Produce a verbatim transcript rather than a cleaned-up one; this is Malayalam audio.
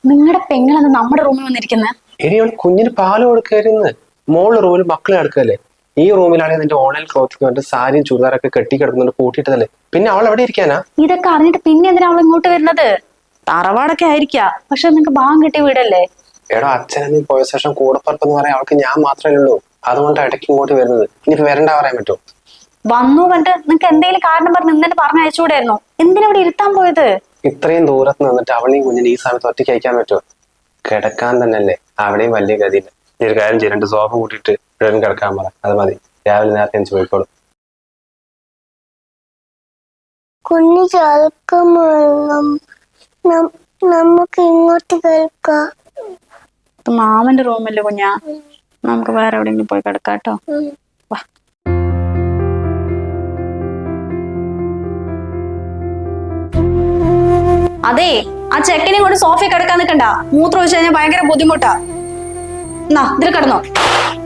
നിങ്ങളുടെ പെങ്ങളെന്ന് നമ്മുടെ റൂമിൽ വന്നിരിക്കുന്നത്? ഇനി അവൾ കുഞ്ഞിന് പാല് കൊടുക്കായിരുന്നു. മോള് റൂമിൽ മക്കളെ അടുക്കല്ലേ. ഈ റൂമിലാണെങ്കിൽ നിന്റെ ഓൺലൈൻ ക്ലോത്തിങ് വന്നിട്ട് സാരിയും ചുരിദാറൊക്കെ കെട്ടി കിടക്കുന്നുണ്ട് കൂട്ടിയിട്ടതല്ലേ. പിന്നെ അവൾ എവിടെ ഇരിക്കാനാ? ഇതൊക്കെ അറിഞ്ഞിട്ട് പിന്നെ എന്തിനാ അവൾ ഇങ്ങോട്ട് വരുന്നത്? തറവാടൊക്കെ ആയിരിക്കാ, പക്ഷെ നിങ്ങക്ക് ഭാഗം കിട്ടിയ വീടല്ലേ. എടോ, അച്ഛനമ്മ പോയ ശേഷം കൂടപ്പറപ്പെന്ന് പറയാൻ അവൾക്ക് ഞാൻ മാത്രമേ ഉള്ളൂ. അതുകൊണ്ട് ഇടയ്ക്ക് ഇങ്ങോട്ട് വരുന്നത്. ഇനിയിപ്പോ വരണ്ട പറയാൻ പറ്റുമോ? വന്നു കണ്ട് നിങ്ങക്ക് എന്തെങ്കിലും കാരണം പറഞ്ഞ് ഇന്നലെ പറഞ്ഞയച്ചുകൂടായിരുന്നോ? എന്തിനാ ഇവിടെ ഇരുത്താൻ പോയത്? ഇത്രയും ദൂരത്ത് നിന്നിട്ട് അവളെയും കുഞ്ഞിനെ ഈ സമയത്ത് ഒറ്റയ്ക്ക് അയക്കാൻ പറ്റുമോ? കിടക്കാൻ തന്നെയല്ലേ അവിടെയും വലിയ ഗതിയില്ല. ഈ ഒരു കാര്യം ചെയ്യും, രണ്ട് സോഫ കൂട്ടിയിട്ട് ഇവിടെ കിടക്കാൻ പറ. അത് മതി. രാവിലെ നേരത്തെ എനിക്ക് പോയിക്കോളും. കുഞ്ഞു നമുക്ക് ഇങ്ങോട്ട് കേൾക്കാം. മാമന്റെ റൂമല്ലേ കുഞ്ഞാ, നമുക്ക് വേറെ എവിടെയെങ്കിലും പോയി കിടക്കാട്ടോ. വാ. അതെ, ആ ചെക്കനെ കൊണ്ട് സോഫയിൽ കിടക്കാൻ നിൽക്കണ്ട. മൂത്രം ഒഴിച്ചു കഴിഞ്ഞാൽ ഭയങ്കര ബുദ്ധിമുട്ടാ. എന്നാ ഇതിൽ കിടന്നോ.